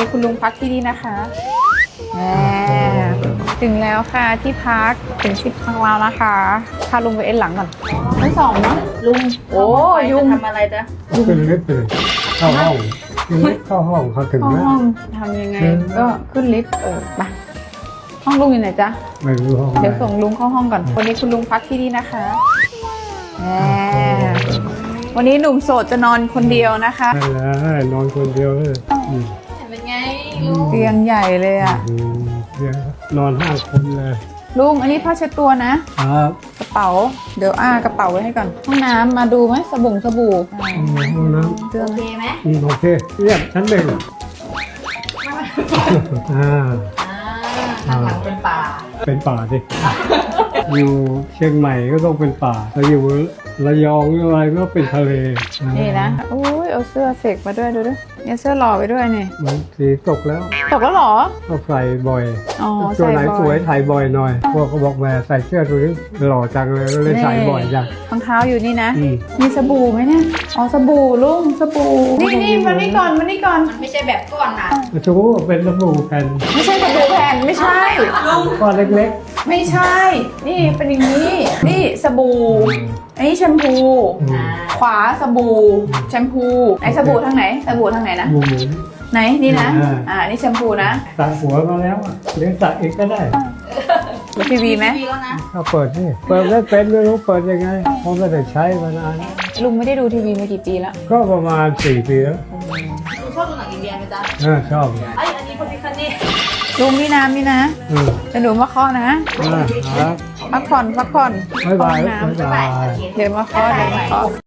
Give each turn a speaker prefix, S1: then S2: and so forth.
S1: คุณลุงพักที่นี่นะคะแหมถึงแล้วค่ะที่พักถึงที่พักเรานะคะพาลุงไปเอ็นหลังก่อนชั้นสองเนาะ
S2: ลุง
S1: โอ้ยุง
S2: ทำอะไรจ๊ะ
S3: ขึ้นลิฟต์เลยเข้าห้องเข้าห้องเขาถึง
S1: เข้า
S3: แล้ว
S1: ห้องทำยังไงก็ขึ้นลิฟต์ไปห้องลุงอยู่ไหนจ๊ะ
S3: ไม่รู้ห้อง
S1: เดี๋ยวส่งลุงเข้าห้องก่อนวันนี้คุณลุงพักที่นี่นะคะแหมวันนี้หนุ่มโสดจะนอนคนเดียวนะคะ
S3: นั่นแหละนอนคนเดียวเลย
S2: เป็นไงลุง
S1: เตียงใหญ่เลยอ่ะ
S3: เดี๋ยวนอน5 คนเลย
S1: ลุงอันนี้ผ้าเช็ดตัวนะครับ กระเป๋าเดี๋ยวกระเป๋าไว้ให้ก่อนห้องน้ำมาดูไหมสบู่
S3: ห้องน้
S1: เตือ
S2: โอน เคไหม
S3: ำโอเคเรียบชั้นหนึ่งอ่า
S2: ข้างหลังเป็นป่า
S3: เป็นป่าสิอยู่เชียงใหม่ก็ต้องเป็นป่าแล้วอยู่ระยองหรืออะไรก็เป็นทะเล
S1: นี่นะอุ้ยเอาเสื้อเสกมาด้วยดูดิเนี่ยเสื้อหล่อไปด้วยนี่
S3: มันสีตกแล้ว
S1: ตกแล้วเหรอ
S3: ก็ใส่บ่อย
S1: อ๋อ
S3: ตัวไหน
S1: ใส่
S3: ส
S1: บ่
S3: ว
S1: อย ย
S3: ถ่ายบ่อยหน่อยพวกเขาบอกแหมใส่เสื้อตัวนี้หล่อจังเลยก็เลยใส่บ่อยจัง
S1: รองเท้าอยู่นี่นะ
S3: อืม
S1: มีสบู่ไหมเนี่ยอ๋อสบู่ลุงสบู่นี่มานี่ก่อนมานี่ก่อน
S2: มันไม่ใช่แบบก้อนนะ
S3: ชูเป็นสบู่แผ่น
S1: ไม่ใช่สบู่แผ่นไม่ใช่
S3: ก้อนเล็ก
S1: ไม่ใช่ นี่เป็นอย่างนี้ นี่สบู่ อันนี้แชมพู ขวาสบู่ แชมพูไหนสบู่ทางไหน สบู่ทางไหนนะ
S3: ๆหมู
S1: ไหน นี่นะ
S3: อ่า
S1: นี่แชมพูนะ
S3: ตัดหัวมาแล้วอะเลี้ยงตัดอีกก็ได้
S1: ดูทีวีไหม
S2: ดีแล้วนะ
S3: ถ้าเปิดนี่เปิดไม่เป็นไม่รู้เปิดยังไงเพราะไม่ได้ใช้มานาน
S1: ลุงไม่ได้ดูทีวีมากี่ปีแล้ว
S3: ก็ประมาณ4 ปีแล้ว
S2: ลุงชอบดูหนังอินเดียไหมจ๊ะ
S3: ชอบ
S2: ไอ้อันนี้พอดีคันนี้
S1: ลุงนี่น้ำนี่นะ
S3: อืม
S1: จะหนูมาเคาะนะ
S3: ครับ
S1: พักผ่อน
S3: บ๊ายบาย
S1: เข้าห้องน้ำ
S3: บ๊ายบาย
S1: เดี๋ยวมาเคาะเดี๋ยวมาเคาะ